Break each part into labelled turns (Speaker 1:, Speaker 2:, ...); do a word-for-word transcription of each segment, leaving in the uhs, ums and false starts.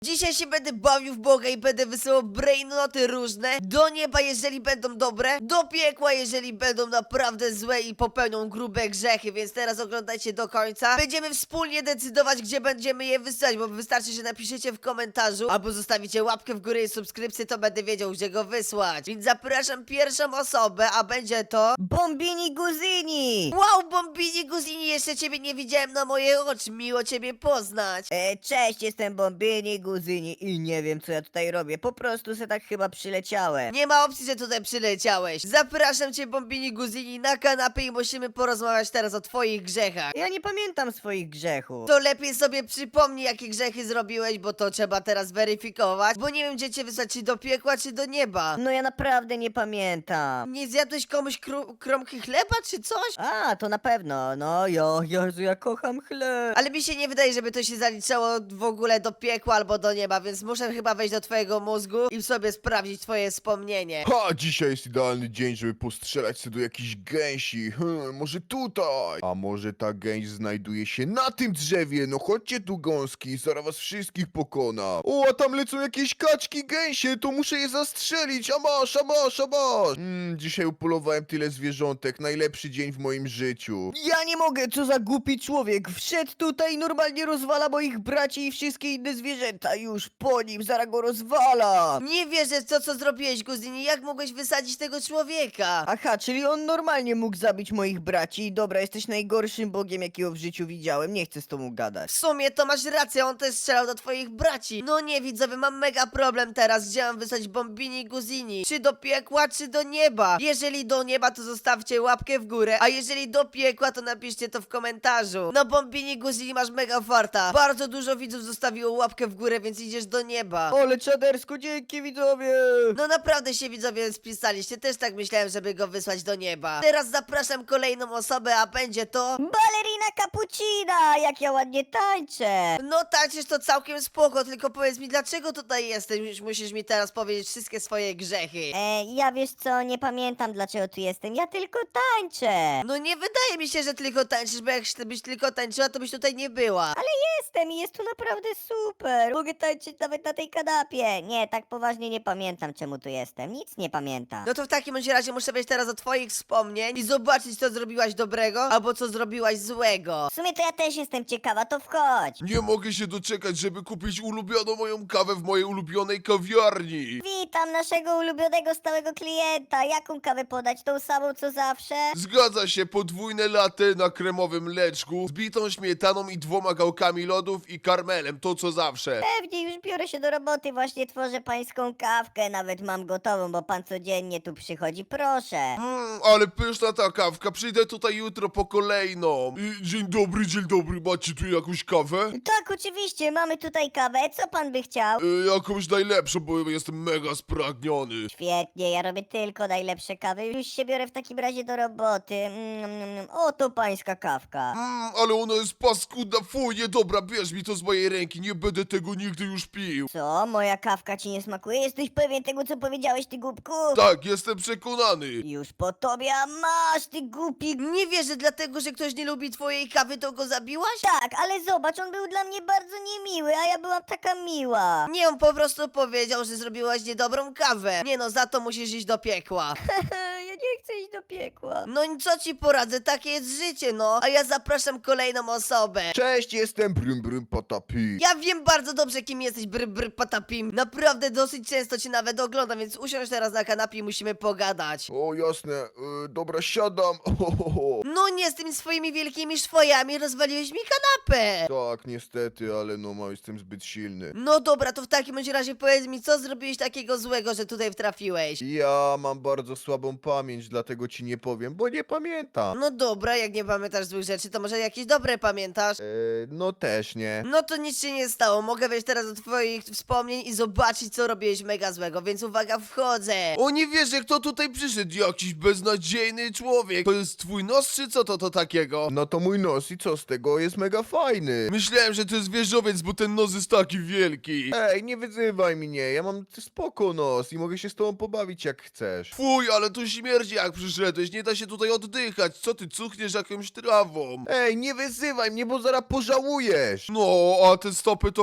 Speaker 1: Dzisiaj się będę bawił w Boga i będę wysyłał brainnoty różne do nieba, jeżeli będą dobre, do piekła, jeżeli będą naprawdę złe i popełnią grube grzechy, więc teraz oglądajcie do końca. Będziemy wspólnie decydować, gdzie będziemy je wysyłać, bo wystarczy, że napiszecie w komentarzu albo zostawicie łapkę w górę i subskrypcję, to będę wiedział, gdzie go wysłać. Więc zapraszam pierwszą osobę, a będzie to...
Speaker 2: Bombini Guzini!
Speaker 1: Wow, Bombini Guzini, jeszcze ciebie nie widziałem na moje oczy, miło ciebie poznać.
Speaker 2: E, cześć, jestem Bombini Guzini i nie wiem, co ja tutaj robię. Po prostu se tak chyba przyleciałem.
Speaker 1: Nie ma opcji, że tutaj przyleciałeś. Zapraszam cię, Bombini Guzini, na kanapę i musimy porozmawiać teraz o twoich grzechach.
Speaker 2: Ja nie pamiętam swoich grzechów.
Speaker 1: To lepiej sobie przypomnij, jakie grzechy zrobiłeś, bo to trzeba teraz weryfikować, bo nie wiem, gdzie cię wysłać, czy do piekła, czy do nieba.
Speaker 2: No ja naprawdę nie pamiętam.
Speaker 1: Nie zjadłeś komuś kró- kromki chleba, czy coś?
Speaker 2: A, to na pewno. No, jo, Jezu, ja kocham chleb.
Speaker 1: Ale mi się nie wydaje, żeby to się zaliczało w ogóle do piekła albo do nieba, więc muszę chyba wejść do twojego mózgu i sobie sprawdzić twoje wspomnienie.
Speaker 3: Ha, dzisiaj jest idealny dzień, żeby postrzelać sobie do jakiejś gęsi. Hmm, może tutaj. A może ta gęś znajduje się na tym drzewie? No chodźcie tu, gąski, zaraz was wszystkich pokona. O, a tam lecą jakieś kaczki gęsie, to muszę je zastrzelić. A masz, a masz, a masz. Hmm, dzisiaj upolowałem tyle zwierzątek, najlepszy dzień w moim życiu.
Speaker 2: Ja nie mogę, co za głupi człowiek. Wszedł tutaj i normalnie rozwala moich braci i wszystkie inne zwierzęta. Już po nim, zaraz go rozwalam.
Speaker 1: Nie wierzę w to, co zrobiłeś, Guzini. Jak mogłeś wysadzić tego człowieka?
Speaker 2: Aha, czyli on normalnie mógł zabić moich braci. Dobra, jesteś najgorszym bogiem, jakiego w życiu widziałem. Nie chcę z tobą gadać.
Speaker 1: W sumie to masz rację, on też strzelał do twoich braci. No nie, widzowie, mam mega problem teraz, gdzie mam wysłać Bombini Guzini. Czy do piekła, czy do nieba? Jeżeli do nieba, to zostawcie łapkę w górę, a jeżeli do piekła, to napiszcie to w komentarzu. No Bombini Guzini, masz mega farta. Bardzo dużo widzów zostawiło łapkę w górę, więc idziesz do nieba.
Speaker 2: Ole, czadersko, dzięki widzowie!
Speaker 1: No naprawdę się widzowie spisaliście, też tak myślałem, żeby go wysłać do nieba. Teraz zapraszam kolejną osobę, a będzie to...
Speaker 2: Balerina Cappuccina, jak ja ładnie tańczę!
Speaker 1: No tańczysz to całkiem spoko, tylko powiedz mi, dlaczego tutaj jesteś? Musisz mi teraz powiedzieć wszystkie swoje grzechy.
Speaker 4: E, ja wiesz co, nie pamiętam dlaczego tu jestem, ja tylko tańczę.
Speaker 1: No nie wydaje mi się, że tylko tańczysz, bo jak byś tylko tańczyła, to byś tutaj nie była.
Speaker 4: Ale jestem i jest tu naprawdę super. Mogę tańczyć nawet na tej kanapie. Nie, tak poważnie nie pamiętam czemu tu jestem, nic nie pamiętam.
Speaker 1: No to w takim bądź razie muszę wejść teraz do twoich wspomnień i zobaczyć, co zrobiłaś dobrego, albo co zrobiłaś złego.
Speaker 4: W sumie to ja też jestem ciekawa, to wchodź.
Speaker 3: Nie mogę się doczekać, żeby kupić ulubioną moją kawę w mojej ulubionej kawiarni.
Speaker 4: Witam naszego ulubionego stałego klienta. Jaką kawę podać? Tą samą co zawsze?
Speaker 3: Zgadza się, podwójne latte na kremowym mleczku, z bitą śmietaną i dwoma gałkami lodów i karmelem, to co zawsze.
Speaker 4: Pewnie, już biorę się do roboty, właśnie tworzę pańską kawkę, nawet mam gotową, bo pan codziennie tu przychodzi, proszę.
Speaker 3: Mm, ale pyszna ta kawka, przyjdę tutaj jutro po kolejną. Y, Dzień dobry, dzień dobry, macie tu jakąś kawę?
Speaker 4: Tak, oczywiście, mamy tutaj kawę, co pan by chciał?
Speaker 3: Y, Jakąś najlepszą, bo jestem mega spragniony.
Speaker 4: Świetnie, ja robię tylko najlepsze kawy. Już się biorę w takim razie do roboty. Mm, mm, mm. Oto pańska kawka.
Speaker 3: Mm, ale ona jest paskudna, fuj, niedobra, bierz mi to z mojej ręki, nie będę tego nigdy już pił.
Speaker 4: Co? Moja kawka ci nie smakuje? Jesteś pewien tego, co powiedziałeś, ty głupku?
Speaker 3: Tak, jestem przekonany.
Speaker 4: Już po tobie, a masz, ty głupi...
Speaker 1: Nie wierzę, dlatego, że ktoś nie lubi twojej kawy, to go zabiłaś?
Speaker 4: Tak, ale zobacz, on był dla mnie bardzo niemiły, a ja byłam taka miła.
Speaker 1: Nie, on po prostu powiedział, że zrobiłaś niedobrą kawę. Nie no, za to musisz iść do piekła.
Speaker 4: Ja nie chcę iść do piekła.
Speaker 1: No i co ci poradzę, takie jest życie, no. A ja zapraszam kolejną osobę.
Speaker 3: Cześć, jestem Brym Brym Patapi.
Speaker 1: Ja wiem bardzo dobrze, kim jesteś, bry bry patapim. Naprawdę dosyć często cię nawet oglądam, więc usiądź teraz na kanapie i musimy pogadać.
Speaker 3: O, jasne, y, dobra, siadam. Ohoho.
Speaker 1: No nie, z tymi swoimi wielkimi szwojami rozwaliłeś mi kanapę.
Speaker 3: Tak, niestety, ale no, ma, jestem zbyt silny.
Speaker 1: No dobra, to w takim bądź razie powiedz mi, co zrobiłeś takiego złego, że tutaj wtrafiłeś?
Speaker 3: Ja mam bardzo słabą pamięć, dlatego ci nie powiem, bo nie pamiętam.
Speaker 1: No dobra, jak nie pamiętasz złych rzeczy, to może jakieś dobre pamiętasz?
Speaker 3: E, no też nie.
Speaker 1: No to nic się nie stało, mogę wejść teraz do twoich wspomnień i zobaczyć, co robiłeś mega złego, więc uwaga, wchodzę.
Speaker 3: O, nie wierzę, kto tutaj przyszedł, jakiś beznadziejny człowiek. To jest twój nos, czy co to to takiego? No to mój nos i co z tego, jest mega fajny. Myślałem, że to jest wieżowiec, bo ten nos jest taki wielki. Ej, nie wyzywaj mnie, ja mam spoko nos i mogę się z tobą pobawić jak chcesz. Fuj, ale tu śmierdzi jak przyszedłeś, nie da się tutaj oddychać, co ty cuchniesz jakąś trawą? Ej, nie wyzywaj mnie, bo zaraz pożałujesz. No, a te stopy to pewnie już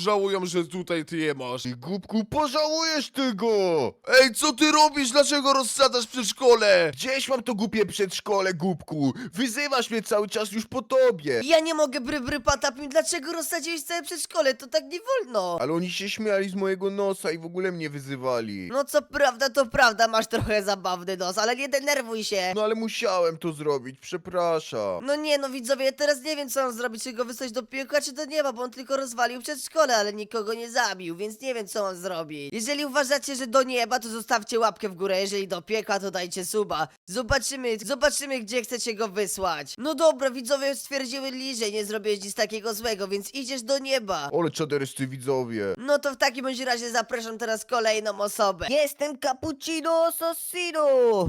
Speaker 3: pożałują, że tutaj ty je masz.
Speaker 2: Ty głupku, pożałujesz tego!
Speaker 3: Ej, co ty robisz? Dlaczego rozsadzasz przedszkole?
Speaker 2: Gdzieś mam to głupie przedszkole, głupku! Wyzywasz mnie cały czas już po tobie!
Speaker 1: Ja nie mogę, bry, bry, patapim, dlaczego rozsadziłeś całe przedszkole? To tak nie wolno.
Speaker 2: Ale oni się śmiali z mojego nosa i w ogóle mnie wyzywali.
Speaker 1: No co prawda, to prawda, masz trochę zabawny nos, ale nie denerwuj się.
Speaker 2: No ale musiałem to zrobić, przepraszam.
Speaker 1: No nie, no widzowie, ja teraz nie wiem, co mam zrobić, czy go wysłać do piekła, czy do nieba, bo on tylko rozwalił przedszkole, ale nikogo nie zabił, więc nie wiem, co mam zrobić. Jeżeli uważacie, że do nieba, to zostawcie łapkę w górę, jeżeli do piekła, to dajcie suba. Zobaczymy, zobaczymy, gdzie chcecie go wysłać. No dobra, widzowie stwierdzili, że nie zrobiłeś nic takiego złego, więc idziesz do nieba.
Speaker 2: Ole czaderyscy widzowie.
Speaker 1: No to w takim bądź razie zapraszam teraz kolejną osobę.
Speaker 4: Jestem Cappuccino Assassino!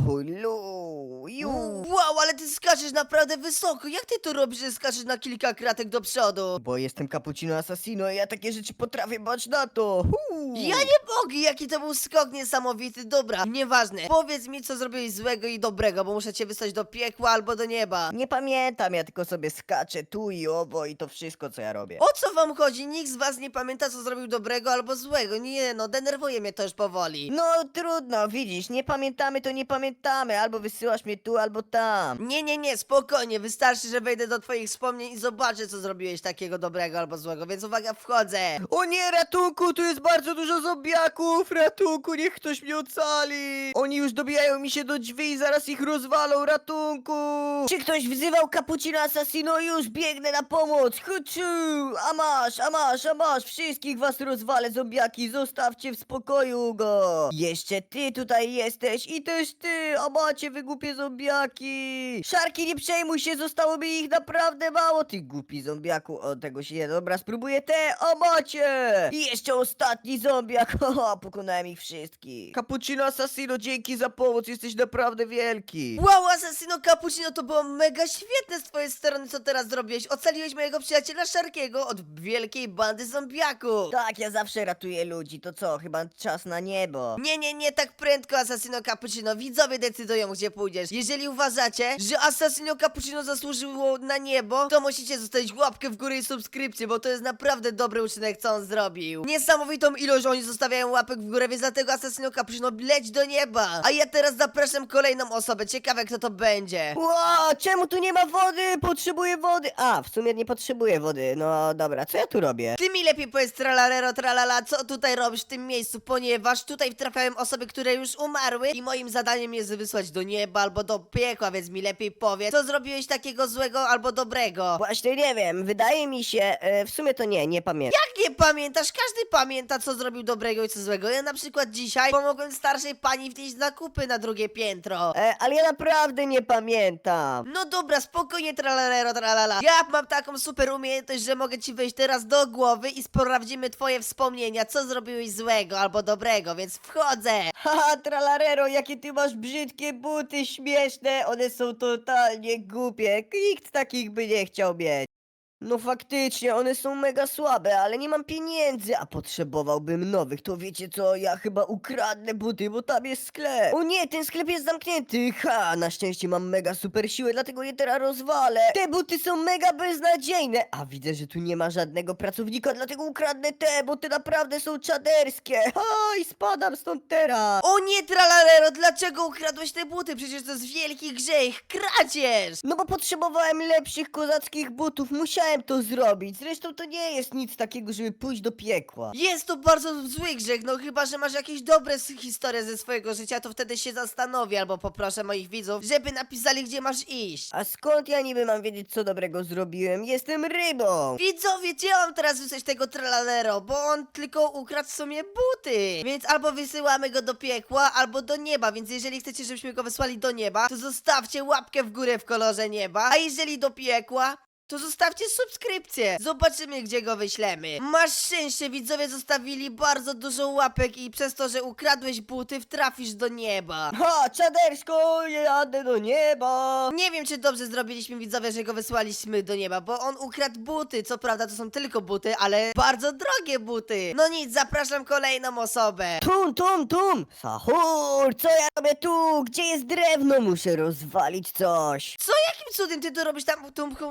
Speaker 4: Hullu, ju.
Speaker 1: Wow, ale ty skaczesz naprawdę wysoko. Jak ty to robisz, że skaczesz na kilka kratek do przodu?
Speaker 4: Bo jestem Cappuccino Assassino i ja takie rzeczy potrafię, bać na to! Huu.
Speaker 1: Ja nie mogę, jaki to był skok niesamowity. Dobra, nieważne. Powiedz mi, co zrobiłeś złego i dobrego, bo muszę cię wysłać do piekła albo do nieba.
Speaker 4: Nie pamiętam, ja tylko sobie skaczę tu i owo i to wszystko, co ja robię.
Speaker 1: O co wam chodzi? Nikt z was nie pamięta, co zrobił dobrego albo złego. Nie no, denerwuje mnie to już powoli.
Speaker 4: No trudno, widzisz, nie pamiętamy, to nie pamiętamy. Albo wysyłasz mnie tu, albo tam.
Speaker 1: Nie, nie, nie, spokojnie. Wystarczy, że wejdę do twoich wspomnień i zobaczę, co zrobiłeś takiego dobrego albo złego, więc uwaga, wchodzę.
Speaker 2: O nie, ratunku, tu jest bardzo dużo zombiaków! Ratunku, niech ktoś mnie ocali! Oni już dobijają mi się do drzwi i zaraz ich rozwalą, ratunku!
Speaker 4: Czy ktoś wzywał Cappuccino Assassino? Już biegnę na pomoc! Huczu! A masz, a masz, a masz! Wszystkich was rozwalę, zombiaki! Zostawcie w spokoju go! Jeszcze ty tutaj jesteś i też ty! A macie wy głupie zombiaki! Szarki, nie przejmuj się, zostało mi ich naprawdę mało! Ty głupi zombiaku! O, tego się nie... Dobra, spróbuję te! A macie! I jeszcze ostatni zombiak! Haha, pokonałem ich wszystkich!
Speaker 2: Cappuccino Assassino, dzięki za pomoc, jesteś naprawdę wielki!
Speaker 1: Wow, Assassino Cappuccino, to było mega świetne z twojej strony, co teraz zrobiłeś. Ocaliłeś mojego przyjaciela Szarkiego od wielkiej bandy zombiaków.
Speaker 4: Tak, ja zawsze ratuję ludzi, to co? Chyba czas na niebo.
Speaker 1: Nie, nie, nie tak prędko, Assassino Cappuccino. Widzowie decydują, gdzie pójdziesz. Jeżeli uważacie, że Assassino Cappuccino zasłużyło na niebo, to musicie zostawić łapkę w górę i subskrypcję, bo to jest naprawdę dobry uczynek, co on zrobił. Niesamowitą ilość oni zostawiają łapek w górę, więc dlatego Assassino Cappuccino leć do nieba. A ja teraz zapraszam kolejną osobę. Ciekawe, kto to będzie.
Speaker 4: Ło, czemu tu nie ma wody? Potrzebuję wody. A, w sumie nie potrzebuję wody. No dobra, co ja tu robię?
Speaker 1: Ty mi lepiej powiedz tralalero tralala, co tutaj robisz w tym miejscu, ponieważ tutaj trafiałem osoby, które już umarły i moim zadaniem jest wysłać do nieba albo do piekła, więc mi lepiej powiedz, co zrobiłeś takiego złego albo dobrego.
Speaker 4: Właśnie nie wiem, wydaje mi się, e, w sumie to nie, nie pamiętam.
Speaker 1: Jak nie pamiętasz? Każdy pamięta, co zrobił dobrego i co złego. Ja na przykład dzisiaj pomogłem starszej pani wnieść zakupy na drugie piętro.
Speaker 4: E, ale ja naprawdę nie pamiętam.
Speaker 1: No dobra, spokojnie tralalero tralala. Ja mam taką super umiejętność, że mogę ci wejść teraz do głowy i sprawdzimy twoje wspomnienia, co zrobiłeś złego albo dobrego, więc wchodzę.
Speaker 4: Haha, tralarero, jakie ty masz brzydkie buty, śmieszne, one są totalnie głupie. Nikt takich by nie chciał mieć. No faktycznie, one są mega słabe, ale nie mam pieniędzy, a potrzebowałbym nowych. To wiecie co, ja chyba ukradnę buty, bo tam jest sklep. O nie, ten sklep jest zamknięty. Ha, na szczęście mam mega super siłę, dlatego je teraz rozwalę. Te buty są mega beznadziejne. A widzę, że tu nie ma żadnego pracownika, dlatego ukradnę te, bo te naprawdę są czaderskie. Ha, i spadam stąd teraz.
Speaker 1: O nie, tralalero, dlaczego ukradłeś te buty? Przecież to jest wielki grzech, kradzież!
Speaker 4: No bo potrzebowałem lepszych kozackich butów, musiałem to zrobić. Zresztą to nie jest nic takiego, żeby pójść do piekła.
Speaker 1: Jest to bardzo zły grzech, no chyba, że masz jakieś dobre s- historie ze swojego życia, to wtedy się zastanowię, albo poproszę moich widzów, żeby napisali, gdzie masz iść.
Speaker 4: A skąd ja niby mam wiedzieć, co dobrego zrobiłem? Jestem rybą!
Speaker 1: Widzowie, gdzie mam teraz wysłać tego tralalero, bo on tylko ukradł w sumie buty. Więc albo wysyłamy go do piekła, albo do nieba, więc jeżeli chcecie, żebyśmy go wysłali do nieba, to zostawcie łapkę w górę w kolorze nieba, a jeżeli do piekła, to zostawcie subskrypcję. Zobaczymy, gdzie go wyślemy. Masz szczęście, widzowie zostawili bardzo dużo łapek i przez to, że ukradłeś buty, wtrafisz do nieba.
Speaker 4: Ha, czadersko, jadę do nieba!
Speaker 1: Nie wiem, czy dobrze zrobiliśmy, widzowie, że go wysłaliśmy do nieba, bo on ukradł buty. Co prawda to są tylko buty, ale bardzo drogie buty. No nic, zapraszam kolejną osobę.
Speaker 4: Tum, tum, tum! Sahur, co ja robię tu? Gdzie jest drewno? Muszę rozwalić coś.
Speaker 1: Co, jakim cudem ty to robisz tam, tum, tum, sahur?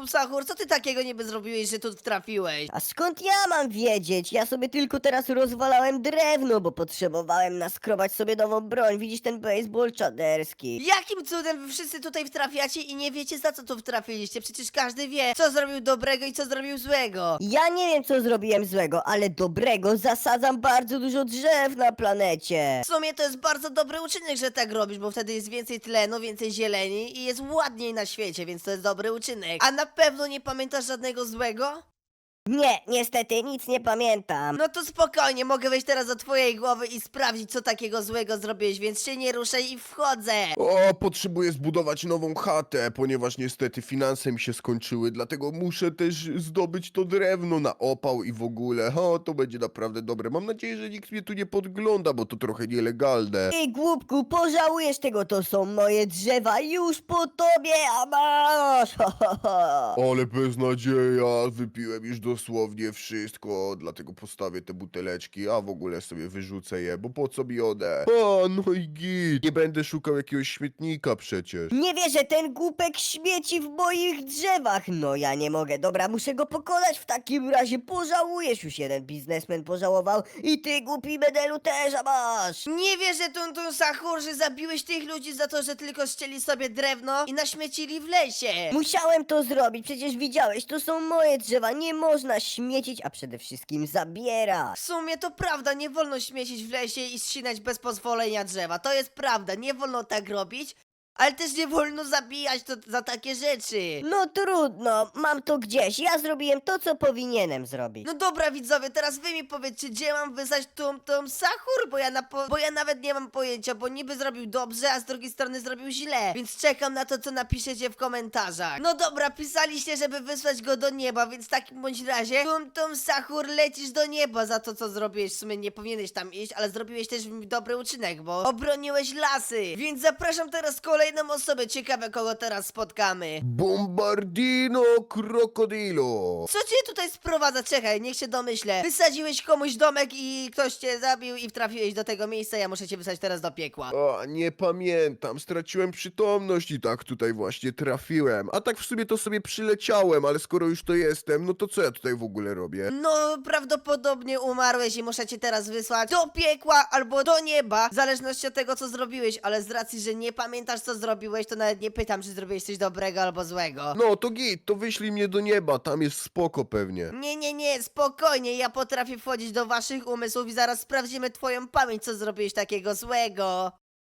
Speaker 1: Sahur, co ty takiego niby zrobiłeś, że tu trafiłeś?
Speaker 4: A skąd ja mam wiedzieć? Ja sobie tylko teraz rozwalałem drewno, bo potrzebowałem naskrobać sobie nową broń. Widzisz ten baseball czaderski?
Speaker 1: Jakim cudem wy wszyscy tutaj wtrafiacie i nie wiecie, za co tu wtrafiliście? Przecież każdy wie, co zrobił dobrego i co zrobił złego.
Speaker 4: Ja nie wiem, co zrobiłem złego, ale dobrego zasadzam bardzo dużo drzew na planecie.
Speaker 1: W sumie to jest bardzo dobry uczynek, że tak robisz, bo wtedy jest więcej tlenu, więcej zieleni i jest ładniej na świecie, więc to jest dobry uczynek. A na pewno nie pamiętasz żadnego złego?
Speaker 4: Nie, niestety nic nie pamiętam.
Speaker 1: No to spokojnie, mogę wejść teraz do twojej głowy i sprawdzić, co takiego złego zrobiłeś, więc się nie ruszaj i wchodzę.
Speaker 3: O, potrzebuję zbudować nową chatę, ponieważ niestety finanse mi się skończyły, dlatego muszę też zdobyć to drewno na opał i w ogóle. O, to będzie naprawdę dobre. Mam nadzieję, że nikt mnie tu nie podgląda, bo to trochę nielegalne.
Speaker 4: Ty głupku, pożałujesz tego, to są moje drzewa, już po tobie, a masz! Ho, ho, ho.
Speaker 3: Ale beznadzieja, wypiłem już dosłownie wszystko, dlatego postawię te buteleczki, a w ogóle sobie wyrzucę je, bo po co mi one? A, no i git, nie będę szukał jakiegoś śmietnika przecież.
Speaker 4: Nie wierzę, ten głupek śmieci w moich drzewach. No ja nie mogę, dobra, muszę go pokonać w takim razie. Pożałujesz, już jeden biznesmen pożałował i ty głupi medelu też, a masz!
Speaker 1: Nie wierzę, Tun Tun Sahur, że zabiłeś tych ludzi za to, że tylko ścieli sobie drewno i naśmiecili w lesie.
Speaker 4: Musiałem to zrobić, przecież widziałeś, to są moje drzewa, nie można śmiecić, a przede wszystkim zabierać.
Speaker 1: W sumie to prawda, nie wolno śmiecić w lesie i ścinać bez pozwolenia drzewa. To jest prawda, nie wolno tak robić, ale też nie wolno zabijać to za takie rzeczy.
Speaker 4: No trudno, mam to gdzieś, ja zrobiłem to, co powinienem zrobić.
Speaker 1: No dobra widzowie, teraz wy mi powiedzcie, gdzie mam wysłać Tum Tum Sahur, bo ja, na po bo ja nawet nie mam pojęcia, bo niby zrobił dobrze, a z drugiej strony zrobił źle, więc czekam na to, co napiszecie w komentarzach. No dobra, pisaliście, żeby wysłać go do nieba, więc w takim bądź razie Tum Tum Sahur, lecisz do nieba za to, co zrobiłeś. W sumie nie powinieneś tam iść, ale zrobiłeś też dobry uczynek, bo obroniłeś lasy, więc zapraszam teraz kolejną osobę, ciekawe kogo teraz spotkamy.
Speaker 3: Bombardino Krokodilo.
Speaker 1: Co cię tutaj sprowadza? Czekaj, niech się domyślę. Wysadziłeś komuś domek i ktoś cię zabił i trafiłeś do tego miejsca, ja muszę cię wysłać teraz do piekła.
Speaker 3: A, nie pamiętam, straciłem przytomność i tak tutaj właśnie trafiłem. A tak w sumie to sobie przyleciałem, ale skoro już to jestem, no to co ja tutaj w ogóle robię?
Speaker 1: No, prawdopodobnie umarłeś i muszę cię teraz wysłać do piekła albo do nieba, w zależności od tego, co zrobiłeś, ale z racji, że nie pamiętasz, co zrobiłeś, to nawet nie pytam, czy zrobiłeś coś dobrego albo złego.
Speaker 3: No to git, to wyślij mnie do nieba, tam jest spoko pewnie.
Speaker 1: Nie, nie, nie, spokojnie, ja potrafię wchodzić do waszych umysłów i zaraz sprawdzimy twoją pamięć, co zrobiłeś takiego złego.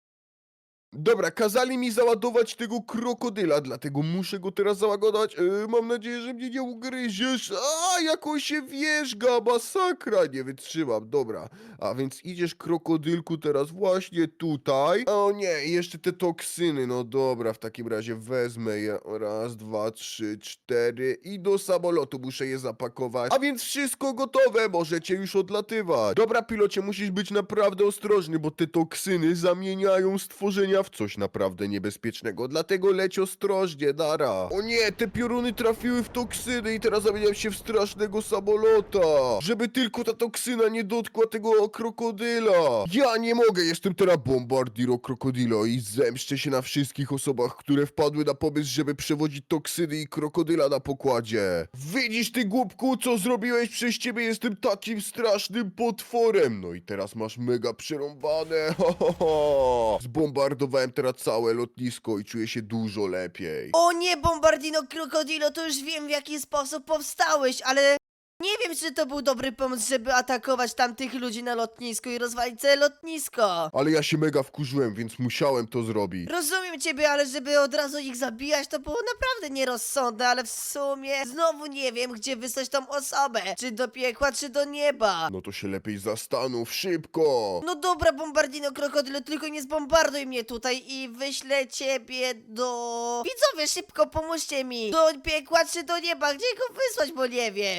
Speaker 3: Dobra, kazali mi załadować tego krokodyla, dlatego muszę go teraz załagodować. E, mam nadzieję, że mnie nie ugryziesz. A, jak on się wierzga, masakra, nie wytrzymam, dobra. A więc idziesz, krokodylku, teraz właśnie tutaj. O nie, i jeszcze te toksyny, no dobra, w takim razie wezmę je. Raz, dwa, trzy, cztery i do samolotu muszę je zapakować. A więc wszystko gotowe, możecie już odlatywać. Dobra, pilocie, musisz być naprawdę ostrożny, bo te toksyny zamieniają stworzenia w coś naprawdę niebezpiecznego, dlatego leć ostrożnie, nara. O nie, te pioruny trafiły w toksyny i teraz zamieniam się w strasznego samolota, żeby tylko ta toksyna nie dotkła tego krokodyla. Ja nie mogę, jestem teraz Bombardiro Krokodilo i zemszczę się na wszystkich osobach, które wpadły na pomysł, żeby przewodzić toksyny i krokodyla na pokładzie. Widzisz ty głupku, co zrobiłeś? Przez ciebie jestem takim strasznym potworem. No i teraz masz mega przerąbane. Ho, ho, ho. Zbombardowałem teraz całe lotnisko i czuję się dużo lepiej.
Speaker 1: O nie, Bombardino Krokodilo, to już wiem, w jaki sposób powstałeś, ale nie wiem, czy to był dobry pomysł, żeby atakować tamtych ludzi na lotnisku i rozwalić całe lotnisko.
Speaker 3: Ale ja się mega wkurzyłem, więc musiałem to zrobić.
Speaker 1: Rozumiem ciebie, ale żeby od razu ich zabijać, to było naprawdę nierozsądne, ale w sumie znowu nie wiem, gdzie wysłać tą osobę. Czy do piekła, czy do nieba.
Speaker 3: No to się lepiej zastanów, szybko!
Speaker 1: No dobra, Bombardino Krokodylo, tylko nie zbombarduj mnie tutaj i wyślę ciebie do... Widzowie, szybko, pomóżcie mi! Do piekła czy do nieba? Gdzie go wysłać, bo nie wiem.
Speaker 3: Ja chcę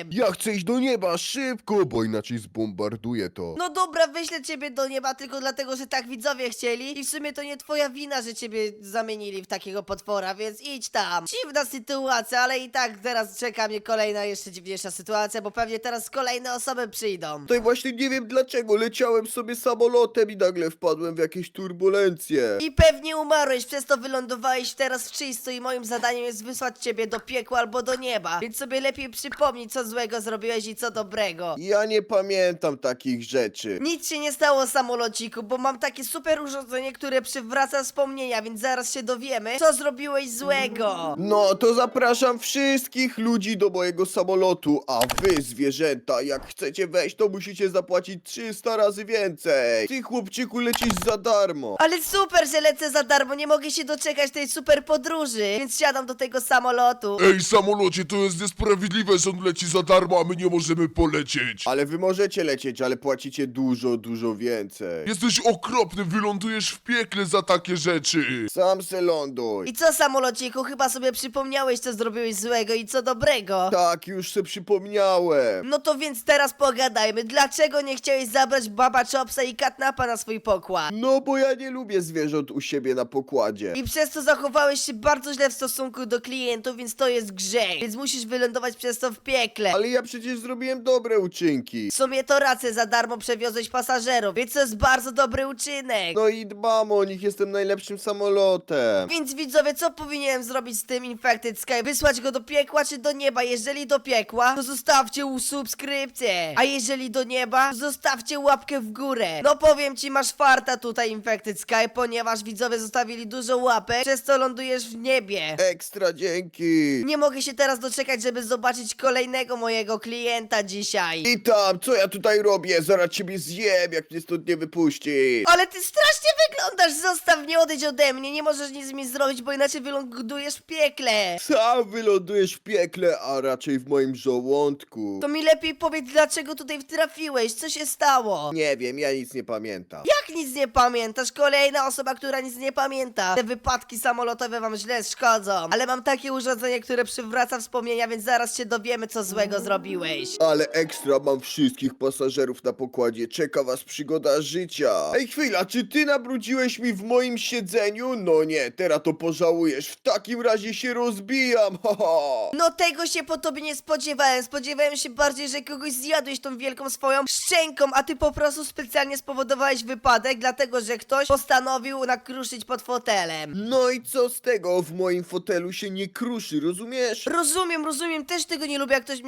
Speaker 3: chcę iść do nieba, szybko, bo inaczej zbombarduję to.
Speaker 1: No dobra, wyślę ciebie do nieba tylko dlatego, że tak widzowie chcieli i w sumie to nie twoja wina, że ciebie zamienili w takiego potwora, więc idź tam. Dziwna sytuacja, ale i tak teraz czeka mnie kolejna jeszcze dziwniejsza sytuacja, bo pewnie teraz kolejne osoby przyjdą.
Speaker 3: Tutaj właśnie nie wiem dlaczego, leciałem sobie samolotem i nagle wpadłem w jakieś turbulencje.
Speaker 1: I pewnie umarłeś, przez to wylądowałeś teraz w czysto i moim zadaniem jest wysłać ciebie do piekła albo do nieba, więc sobie lepiej przypomnij, co złego zrobiłeś i co dobrego.
Speaker 3: Ja nie pamiętam takich rzeczy.
Speaker 1: Nic się nie stało, samolociku, bo mam takie super urządzenie, które przywraca wspomnienia, więc zaraz się dowiemy, co zrobiłeś złego.
Speaker 3: No to zapraszam wszystkich ludzi do mojego samolotu, a wy zwierzęta, jak chcecie wejść, to musicie zapłacić trzysta razy więcej. Ty chłopczyku lecisz za darmo.
Speaker 1: Ale super, że lecę za darmo, nie mogę się doczekać tej super podróży, więc siadam do tego samolotu.
Speaker 5: Ej, samolocie, to jest niesprawiedliwe, że on leci za darmo, a my nie możemy polecieć.
Speaker 3: Ale wy możecie lecieć, ale płacicie dużo, dużo więcej.
Speaker 5: Jesteś okropny, wylądujesz w piekle za takie rzeczy.
Speaker 3: Sam se ląduj.
Speaker 1: I co, samolociku, chyba sobie przypomniałeś, co zrobiłeś złego i co dobrego.
Speaker 3: Tak, już se przypomniałem.
Speaker 1: No to więc teraz pogadajmy, dlaczego nie chciałeś zabrać Baba Chopsa i Katnapa na swój pokład?
Speaker 3: No bo ja nie lubię zwierząt u siebie na pokładzie.
Speaker 1: I przez to zachowałeś się bardzo źle w stosunku do klientów, więc to jest grzech. Więc musisz wylądować przez to w piekle.
Speaker 3: Ale ja przecież zrobiłem dobre uczynki.
Speaker 1: W sumie to rację, za darmo przewiozłeś pasażerów, więc to jest bardzo dobry uczynek.
Speaker 3: No i dbam o nich, jestem najlepszym samolotem.
Speaker 1: Więc widzowie, co powinienem zrobić z tym Infected Sky? Wysłać go do piekła czy do nieba? Jeżeli do piekła, to zostawcie u subskrypcję. A jeżeli do nieba, to zostawcie łapkę w górę. No powiem ci, masz farta tutaj Infected Sky, ponieważ widzowie zostawili dużo łapek, przez co lądujesz w niebie.
Speaker 3: Ekstra dzięki.
Speaker 1: Nie mogę się teraz doczekać, żeby zobaczyć kolejnego mojego klienta dzisiaj.
Speaker 3: I tam, co ja tutaj robię? Zaraz ciebie zjem, jak mnie stąd nie wypuścisz.
Speaker 1: Ale ty strasznie wyglądasz, zostaw mnie, odejdź ode mnie, nie możesz nic mi zrobić, bo inaczej wylądujesz w piekle.
Speaker 3: Sam wylądujesz w piekle, a raczej w moim żołądku.
Speaker 1: To mi lepiej powiedz, dlaczego tutaj trafiłeś, co się stało?
Speaker 3: Nie wiem, ja nic nie pamiętam.
Speaker 1: Jak nic nie pamiętasz? Kolejna osoba, która nic nie pamięta. Te wypadki samolotowe wam źle szkodzą. Ale mam takie urządzenie, które przywraca wspomnienia, więc zaraz się dowiemy, co złego zrobiłeś.
Speaker 3: Ale ekstra, mam wszystkich pasażerów na pokładzie, czeka was przygoda życia. Ej, chwila, czy ty nabrudziłeś mi w moim siedzeniu? No nie, teraz to pożałujesz, w takim razie się rozbijam, haha.
Speaker 1: No tego się po tobie nie spodziewałem. Spodziewałem się bardziej, że kogoś zjadłeś tą wielką swoją szczęką, a ty po prostu specjalnie spowodowałeś wypadek, dlatego że ktoś postanowił nakruszyć pod fotelem.
Speaker 3: No i co z tego, w moim fotelu się nie kruszy, rozumiesz?
Speaker 1: Rozumiem, rozumiem, też tego nie lubię, jak ktoś mi